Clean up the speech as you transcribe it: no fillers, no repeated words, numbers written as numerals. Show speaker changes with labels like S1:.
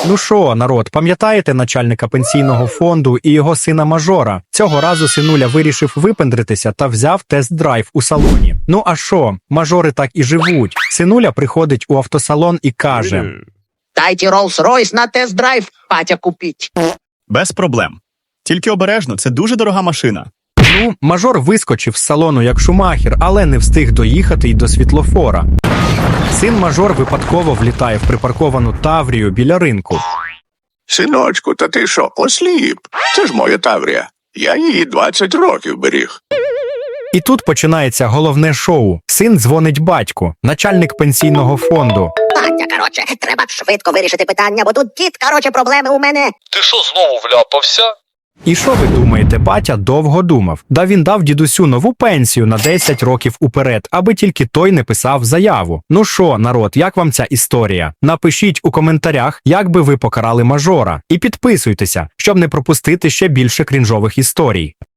S1: Ну що, народ, пам'ятаєте начальника пенсійного фонду і його сина Мажора? Цього разу синуля вирішив випендритися та взяв тест-драйв у салоні. Ну а що, мажори так і живуть. Синуля приходить у автосалон і каже:
S2: Дайте Rolls-Royce на тест-драйв, батя купіть.
S3: Без проблем. Тільки обережно, це дуже дорога машина.
S1: Ну, мажор вискочив з салону як Шумахер, але не встиг доїхати й до світлофора. Син Мажор випадково влітає в припарковану Таврію біля ринку.
S4: Синочку, та ти що, осліп? Це ж моя Таврія. Я її 20 років беріг.
S1: І тут починається головне шоу. Син дзвонить батьку, начальник пенсійного фонду.
S2: Батя, короче, треба швидко вирішити питання, бо тут дід, проблеми у мене.
S5: Ти що знову вляпався?
S1: І що ви думаєте, батя довго думав? Да він дав дідусю нову пенсію на 10 років уперед, аби тільки той не писав заяву. Ну що, народ, як вам ця історія? Напишіть у коментарях, як би ви покарали мажора. І підписуйтеся, щоб не пропустити ще більше крінжових історій.